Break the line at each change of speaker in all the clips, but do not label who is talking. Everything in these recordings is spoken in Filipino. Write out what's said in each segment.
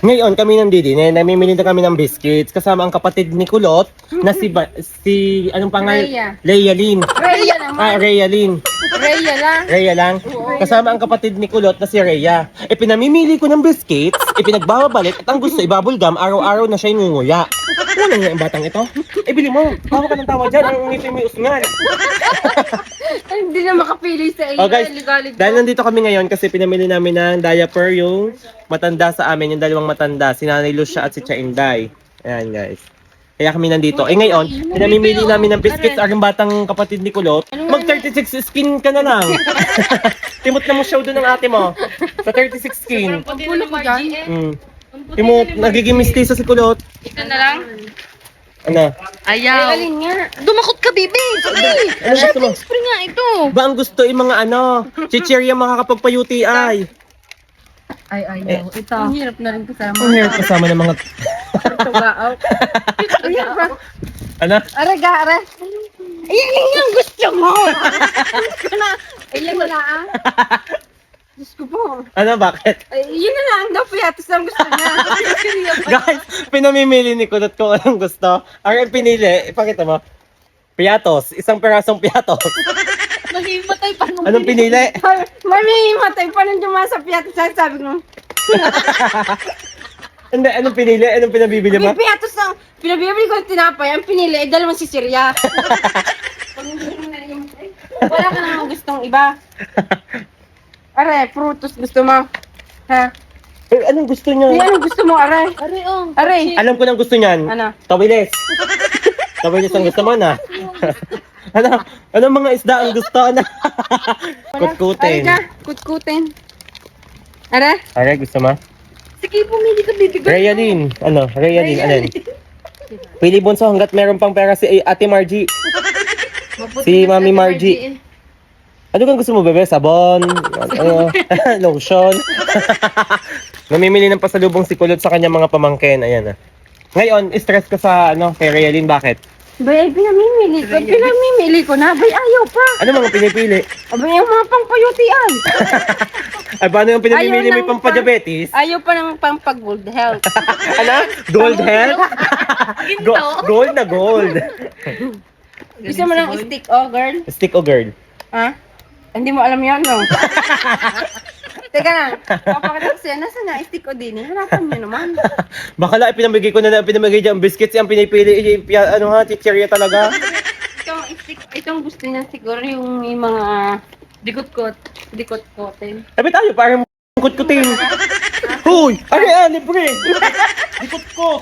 Ngayon kami nandito, namimili na kami ng biscuits kasama ang kapatid ni Kulot na si anong pangalan? Leia Lynn.
Rhea naman.
Rhea Lynn.
Rhea lang.
Rhea lang. Kasama ang kapatid ni Kulot na si Rhea. Pinamimili ko ng biscuits, pinagbababalik at ang gusto ibabulgam, araw-araw na siya inunguya. Wala nga ang batang ito. Bili mo. Tawa ka ng tawa dyan. Ang ngipin mo yung usngal.
Hindi na makapili sa iyo.
Oh guys, dahil nandito kami ngayon kasi pinamili namin ng diaper yung matanda sa amin, yung dalawang matanda, si Nanay Lucia at si Cha Inday. Ayan guys. Kaya kami nandito. Ngayon, pinamimili namin ng biscuits ang batang kapatid ni Kulot. Mag 36 skin ka na lang. Timot na mo show doon ng ate mo. Sa 36 skin.
Pagpulo ko dyan.
Timot, nagiging mistiso si Kulot.
Ito na lang.
Ano?
Ayaw. Alin nga. Dumakot ka, baby. Sige.
Ano gusto mo?
Spray nga ito.
Ba ang gusto yung mga ano, chichirya makakapagpa-UTI.
Ay, ayaw. Ito. Ang hirap na rin kasama.
Ang hirap kasama ng mga...
Tugaaw.
Ano?
Araga, ara. Ayan nga ang gusto mo. Gusto na. Ayan na lang. Diyos ko po.
Ano, bakit?
Ay, yun na lang daw, piatos ang gusto niya.
Guys, pinamimili ni Kulot kung anong gusto. Ang pinili, ipakita mo. Piatos, isang perasong piatos.
Mahimatay pa nung
Anong pinili?
Mahimatay pa nung dumasa piatos. Sabi ko,
Hindi, anong pinili? Anong pinabibili mo?
may piatos ang pinabibili ko ng tinapay. Ang pinili ay dalawang sisirya. Wala ka namang gustong iba. Are, frutos gusto mo. Ha?
Anong gusto niyo?
Ay, anong gusto mo, are? Are.
Alam ko nang gusto niyan.
Ano?
Tawilis. Tawilis ang gusto mo na. Ano? Anong mga isda ang gusto na? Kutkutin.
Are ka, kutkutin. Are?
Are, gusto mo?
Sige, pumili ka, baby.
Rhea Lynn. Ano? Rhea Lynn. Alin? Pili bunso hanggat meron pang pera si Ate Margie. Si Mami Margie. Ano kang gusto mo, bebe? Sabon? Ano? Lotion? Namimili ng pasalubong si Kulot sa kanyang mga pamangkin. Ayan ah. Ngayon, stress ka sa ano, kay Rhea Lynn. Bakit?
Bay, pinamimili ko na. Bay, ayaw pa.
Ano mga pinipili?
Abay, yung mga pangpayutian.
Ay, paano yung pinamimili
Ayaw
may
ng
pampadiabetes?
Ayaw pa ng pang-pag-good health.
Ano? Gold health? Gold na gold.
Gusto mo ng stick, oh, girl?
Stick o girl?
Ha? Hindi mo alam yan, no? Teka lang. Papakita ko siya. Nasaan na? Stick o din? Hanapan niyo naman.
Bakala pinamigay ko na pinamigay dyan biscuits yung pinipili. Ano ha, chichirya talaga.
Itong stick, itong gusto niya siguro yung may mga dikot-kotin.
Sabi tayo, parang kutkutin. Huy! Ano yan, libre! Dikot ko!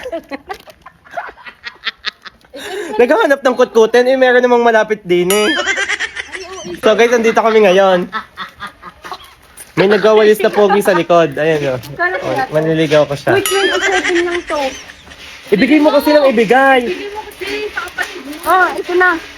Naghahanap ng kutkutin, meron namang malapit din eh. So guys, nandito kami ngayon. May nagawalis na pogi sa likod. Ayan o. Manliligaw ko siya.
Wait, 27 lang to.
Ibigay mo kasi ng ibigay.
Oh, ito na.